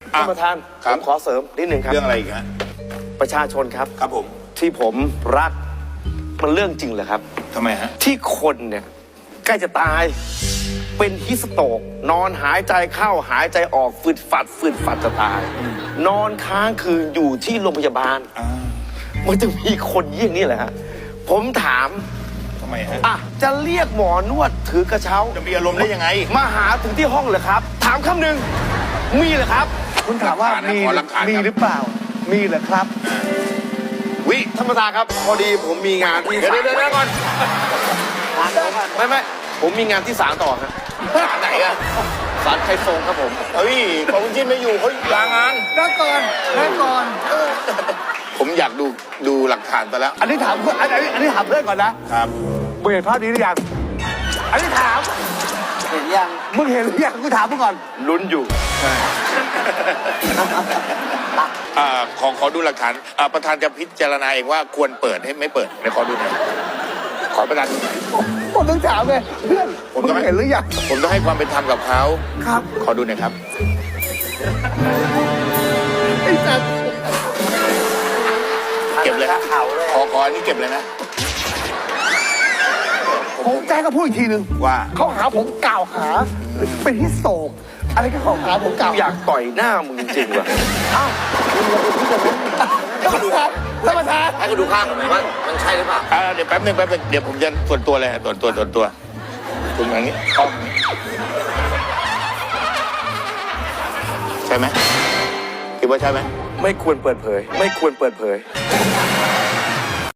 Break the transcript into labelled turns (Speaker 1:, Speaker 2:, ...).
Speaker 1: ท่านประธานผมขอเสริมนิดหนึ่งครับ
Speaker 2: เรื่องอะไรอีกฮะ
Speaker 1: ประชาชนครับ
Speaker 2: ครับผม
Speaker 1: ที่ผมรักมันเรื่องจริงเหรอครับ
Speaker 2: ทำไมฮะ
Speaker 1: ที่คนเนี่ยใกล้จะตายเป็นฮิสโตกนอนหายใจเข้าหายใจออกฝืดฝัดจะตาย นอนค้างคืนอยู่ที่โรงพยาบาลมันจะมีคนเยี่ยงนี้แหละฮะผมถาม
Speaker 2: ทำไมฮะ
Speaker 1: จะเรียกหมอนวดถือกระเช้า
Speaker 2: จะมีอารมณ์ได้ยังไง
Speaker 1: มาหาถึงที่ห้องเหรอครับถามคำหนึ่งมีเหรอครับ
Speaker 3: คุณถามว่ามีหรือเปล่ามีเหรอครับ
Speaker 1: วิท่านประธานครับพอดีผมมีงานที่
Speaker 2: เดี๋ยวก่อน
Speaker 1: ไม่ผมมีงานที่ศาลต่อฮะ
Speaker 2: ศาลไหนอะ
Speaker 1: ศาลไทยทรงครับผม
Speaker 2: เฮ้ยของคุณจิ้นไม่อยู่เขาลางาน
Speaker 3: นั่งก่อน
Speaker 2: ผมอยากดูหลักฐานไปแล้ว
Speaker 3: อันนี้ถามเพื่อนอันนี้ถามเพื่อนก่อนนะครับมึงเห็นภาพนี้หรือยังอันนี้ถาม
Speaker 1: เห็นยัง
Speaker 3: มึงเห็นหรือยังกูถามมึงก่อน
Speaker 1: ลุ้นอยู่
Speaker 2: ขอดูหลักฐานประธานจะพิจารณาเองว่าควรเปิดให้ไม่เปิดในขอดูหน่อยขอประธาน
Speaker 3: ผมต้องถามเลยเพื่อนมึงเห็นหรือยัง
Speaker 2: ผมต้องให้ความเป็นธรรมกับเขา
Speaker 3: ครับ
Speaker 2: ขอดูหน่อยครับ
Speaker 3: ไอ้สัตว์
Speaker 2: เก็บเลยขออันนี้เก็บเลยนะ
Speaker 3: ผมแจ้งก็พูดอีกทีนึง
Speaker 2: ว่า
Speaker 3: เขาหาผมกล่าวหาเป็นฮิสโตกอะไรก็เขาหาผมกล่าว
Speaker 1: อยากต่อยหน้ามึงจริงว่ะ
Speaker 3: อ้าวคุณเราไปพูดกันนะท่านประธาน
Speaker 1: ให้กูดูข้างหน่อยว่ามันใช่หรือเปล่า
Speaker 2: เดี๋ยวแป๊บนึงเดี๋ยวผมจะส่วนตัวเลยส่วนตัวคุณอย่างนี้ใช่ไหมคิดว่าใช่ไหม
Speaker 1: ไม่ควรเปิดเผย